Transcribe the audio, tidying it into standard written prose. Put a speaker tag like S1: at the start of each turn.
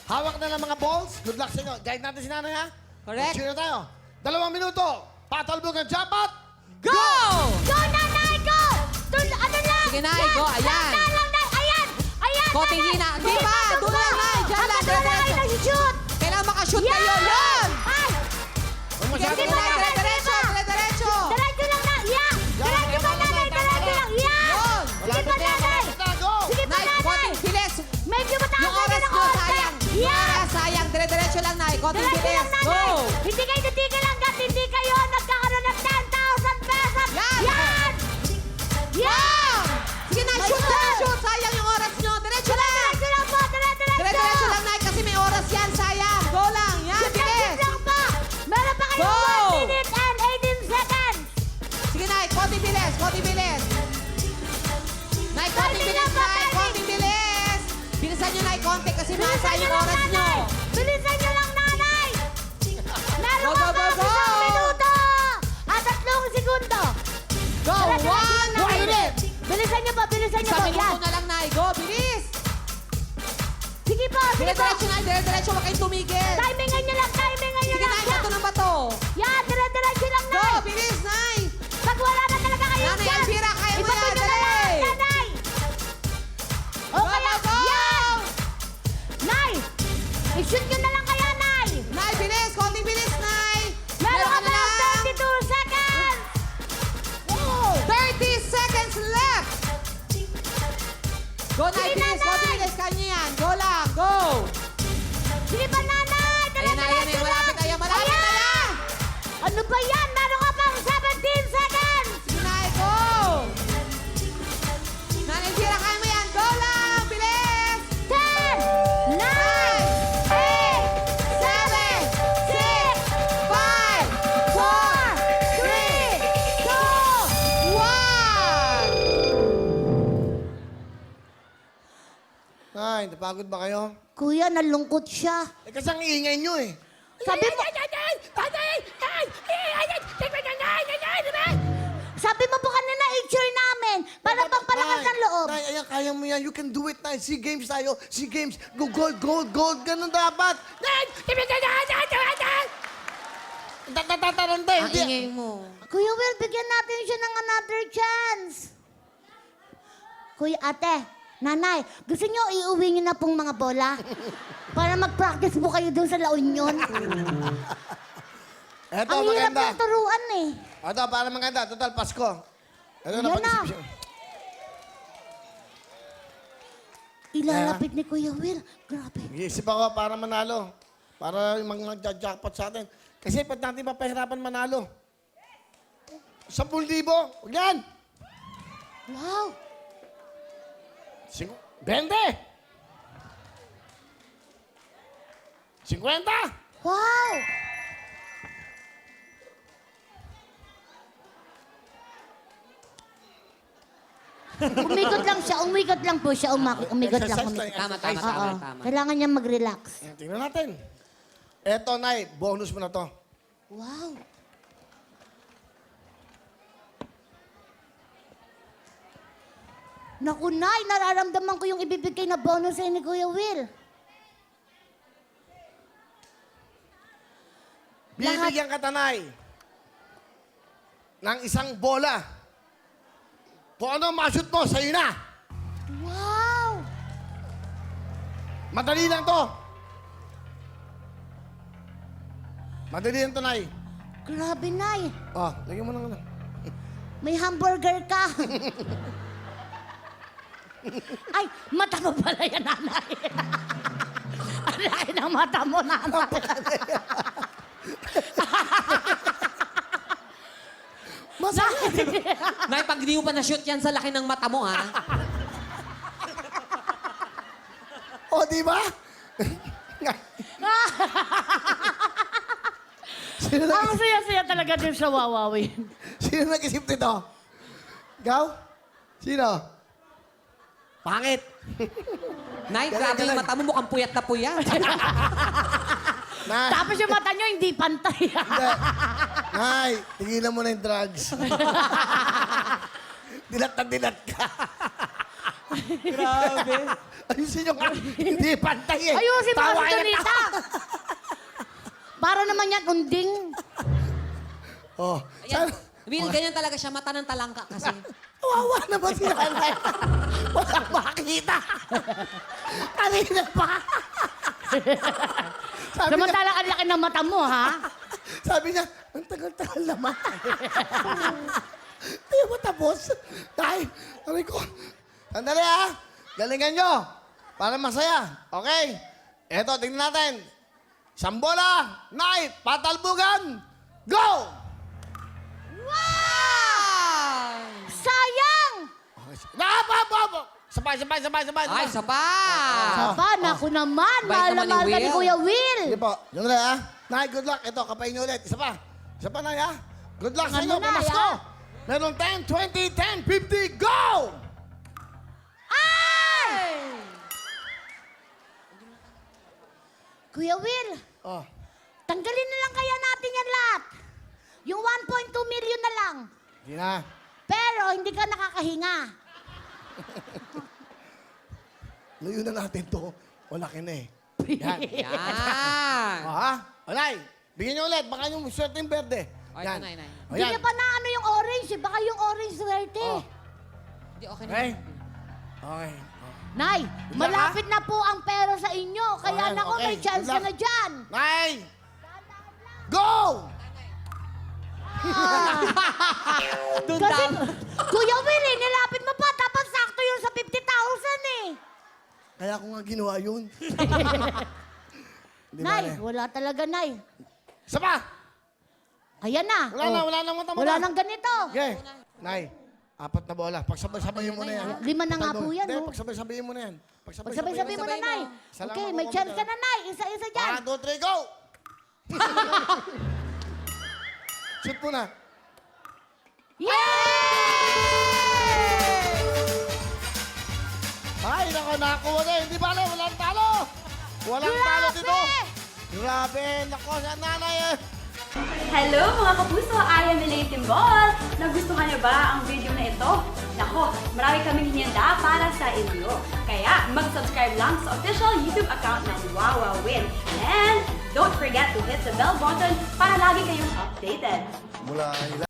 S1: Hawak na ng mga balls. Good luck sa inyo. Guide natin si nanay, ha?
S2: Correct.
S1: Sino tayo? 2 minuto. Patalbugan, jackpot!
S2: Go!
S3: Go, nanay, go! Ano lang?
S2: Sige, Nay, go. Ayan.
S3: Lang, Nay. Ayan! Ayan,
S2: Konting
S3: Nanay.
S2: hina. Hindi pa. Doon lang, Nay. Diyan lang.
S3: Doon lang kayo
S2: Diretso.
S3: nag-shoot!
S2: Kailangan makashoot kayo. Yan!
S3: Ay!
S1: Huwag masyado
S2: Sige,
S1: na.
S2: Nay. Dire-diretso. Dire-diretso.
S3: Diretso lang na! Yeah! Diretso ba, nanay? Diretso lang! Yeah!
S2: Yun.
S3: Sige pa, nanay!
S1: Go!
S3: Sige pa,
S2: Nay,
S3: nanay!
S2: konting bilis.
S3: Medyo mataas
S2: Yung
S3: na
S2: oras
S3: ng
S2: nyo,
S3: konti.
S2: sayang. Yung
S3: Yeah!
S2: oras, sayang. Dire-diretso lang, Nay. Konting
S3: Diretso
S2: bilis.
S3: lang, nanay!
S2: Go!
S3: Hindi kayo titigil hanggat hindi kayo nagkakaroon ng 10,000 pesos!
S2: Yan!
S3: Yan!
S2: Wow! Sige, Nay.
S3: My
S2: Shoot
S3: God.
S2: na. Shoot. Sayang yung oras nyo. Diretso lang.
S3: Diretso lang po! Diretso!
S2: Dire-diretso lang, Nay. Kasi may oras yan. Sayang. Go lang. Yan. Bilis.
S3: lang po! Meron pa
S2: Go!
S3: kayong 1 minute and 18 seconds!
S2: Sige, Nay. Konting bilis. Konting bilis. Nay, konting bilis, Nay. Konting bilis. Bilisan nyo, Nay, konti kasi masa yung oras nyo.
S3: Bilisan nyo lang, nanay! Meron
S2: Go,
S3: ka
S2: go,
S3: pa
S2: go, go!
S3: 1 minuto! At 3 segundo!
S2: Go.
S3: Diretso lang,
S2: 1
S3: nanay.
S2: minute.
S3: Bilisan nyo po, bilisan nyo
S2: Isang
S3: po.
S2: minuto
S3: Yan.
S2: na lang, Nay. Go, bilis.
S3: Sige po, sige po.
S2: Dire-diretso, Nay. Dire-diretso. Huwag kayong tumigil.
S3: Timingan nyo lang, timingan nyo
S2: Sige,
S3: lang.
S2: Nay. Bato ng bato.
S3: Yan, dire-diretso lang,
S2: Go,
S3: nay.
S2: bilis, Nay.
S3: Pag wala na talaga kayo
S2: Nanay
S3: dyan,
S2: Elvira, kaya mo
S3: ibato
S2: yan.
S3: nyo na lang,
S2: Dali.
S3: nanay.
S2: Go,
S3: Okay
S2: go,
S3: lang.
S2: go.
S3: Yan! Nay! I-shoot nyo na lang kaya, Nay!
S2: Nay, bilis. Konting bilis, Nay.
S3: Meron ka
S2: na
S3: lang
S2: lang.
S3: 32 seconds!
S2: 30 seconds left. Go, Nay.
S3: Sige,
S2: Bilis.
S3: Nanay.
S2: Konting bilis. Kanya yan. Go lang. Go.
S3: Sige pa, nanay!
S2: Ayan na, ayan na. Malapit na yan. Malapit na yan.
S3: Ano ba yan? Meron ka pang 17 seconds!
S2: Sige, Nay. Go. Nanay Elvira, kaya mo yan. Go lang. Bilis.
S3: 10, 9, 8,
S2: 7, 6, 5,
S3: 4, 3, 2,
S2: 1.
S1: Ay, napagod ba kayo?
S3: Kuya, nalungkot siya.
S1: Kasi ang ingay nyo eh.
S3: Sabi mo po kanina, i-cheer namin para pampalakas ng loob.
S1: Nay, ayan, kaya mo yan. You can do it, Nay. SEA Games tayo. SEA Games. Go, gold, gold, gold. Ganun dapat. Tatataranta.
S2: Ang ingay mo.
S3: Kuya Will, bigyan natin siya ng another chance. Kuya, ate, nanay, gusto niyo iuwi niyo na pong mga bola? Para mag-practice po kayo dun sa La Union.
S1: Eto,
S3: Ang hirap
S1: maganda.
S3: ng turuan eh.
S1: Eto, para maganda. Total, Pasko. Eto,
S3: Yan na.
S1: napag-isip siya.
S3: Ilalapit ni Kuya Will. Grabe.
S1: Nag-iisip ako para manalo. Para yung mga nagja-jackpot sa atin. Kasi pag natin papahirapan manalo. 10,000. Huwag yan.
S3: Wow.
S1: 20. 50.
S3: Wow. Umikot lang siya, umikot lang po siya, umikot lang.
S1: Exercise
S3: Umikot.
S2: Tama, tama,
S3: Oo.
S2: tama, tama.
S3: Kailangan niya mag-relax.
S1: Tingnan natin. Eto, Nay. Bonus mo na to.
S3: Wow. Naku, Nay, nararamdaman ko yung ibibigay na bonus sa'yo ni Kuya Will.
S1: Bibigyan ka, Tanay, ng isang bola. Kung ano ma-shoot mo, sa'yo na.
S3: Wow!
S1: Madali lang to. Madali lang to, Nay.
S3: Grabe, Nay.
S1: Oh, lagyan mo ng ano.
S3: May hamburger ka. Ay, mata mo pala yan, nanay. Ang laki ng mata mo, nanay.
S1: Masakit.
S2: Nay, pag di mo pa na-shoot yan sa laki ng mata mo, ha?
S1: O, di ba? Sino
S3: Ang
S1: nag-
S3: saya-saya talaga din sa wawawin.
S1: Sino nag-isip nito? Ikaw? Sino? Pangit.
S2: Nay, grabe yung mata mo. Mukhang puyat na puyat.
S1: Nay,
S3: Tapos yung mata nyo hindi pantay.
S1: hindi. Nay, tigilan mo na yung drugs. Dilat na dilat ka.
S2: Grabe.
S1: Ayusin nyo nga. Hindi pantay eh.
S3: Ayusin mo kasi,
S1: Tawa kayo.
S3: Donita. Para naman yan, unding.
S1: Oh.
S2: Ayan. Will, ganyan talaga siya. Mata ng talangka kasi.
S1: Kawawa naman si nanay. Walang makita. Kanina pa. Sabi niya,
S3: Samantalang ang laki ng mata mo, ha?
S1: sabi niya, ang tagal-tagal naman. Hindi mo tapos. Dahil, sabi ko, sandali ha. Galingan nyo. Para masaya. Okay? Eto, tingnan natin. Isang bola, Nay, patalbugan, go!
S2: Wow!
S3: Sayang!
S1: Sabay.
S2: Ay, isa pa!
S3: Saba, naku naman.
S2: Bait
S3: Mahal na
S2: naman ni
S3: mahal ka ni
S2: Will.
S3: Kuya Will.
S1: Sige po. Yung na ha. Nay, good luck. Ito, kapain nyo ulit. Isa pa. Isa pa, Nay, ha. Good luck sa
S3: Ano
S1: inyo.
S3: na,
S1: Pamasko.
S3: ha?
S1: Meron 10, 20, 10, 50, go!
S3: Ay! Kuya Will,
S1: Oh.
S3: tanggalin na lang kaya natin yan lahat. Yung 1.2 million na lang.
S1: Sige na.
S3: Pero hindi ka nakakahinga.
S1: Layo na natin to. Wala ka na eh. Yan.
S2: Yan.
S1: Oh, ha? O, Nay, bigyan nyo ulit. Baka yung swerte yung berde.
S2: Ay,
S1: Yan.
S2: Nay.
S1: O,
S3: Hindi
S1: yan.
S3: niya pa na ano yung orange. Eh. Baka yung orange swerte.
S1: Oh.
S2: Hindi, okay na.
S1: Okay?
S2: yan.
S1: Okay.
S3: Nay,
S1: Good luck,
S3: malapit na po ang pera sa inyo. Kaya
S1: Okay,
S3: nako,
S1: okay.
S3: may chance
S1: Good
S3: ka
S1: luck.
S3: na dyan.
S1: Nay! Go!
S2: Doon
S3: Kasi,
S2: daw.
S3: Kuya Will, eh, nilapit mo pa. Tapos sakto yun sa 50,000 eh.
S1: Kaya ko nga ginawa yun. Di ba,
S3: Nay, wala talaga, Nay.
S1: Isa pa!
S3: Ayan na.
S1: Wala na mata mo
S3: Wala
S1: na.
S3: nang ganito.
S1: Okay. Nay, 4 na bola. Pagsabay-sabayin mo na yan.
S3: 5 na nga po yan,
S1: Hindi,
S3: oh.
S1: pagsabay-sabayin mo na yan.
S3: Pagsabay-sabay mo na,
S2: Sabay mo.
S3: Nay.
S1: Isa lang
S3: Okay,
S1: ako
S3: may chance ka
S1: kumita.
S3: na, Nay. Isa-isa dyan.
S1: 1, 2, 3, go! Shoot mo na.
S3: Yay!
S1: Ay, nako, nakakuha na. Hindi bale, walang talo. Walang talo dito. Grabe, nako, sa nanay eh.
S4: Hello mga kapuso! I am Elaine Timbol! Nagustuhan niyo ba ang video na ito? Nako, marami kaming hinihanda para sa inyo. Kaya mag-subscribe lang sa official YouTube account ng Wawa Win. And don't forget to hit the bell button para lagi kayong updated.
S1: Mula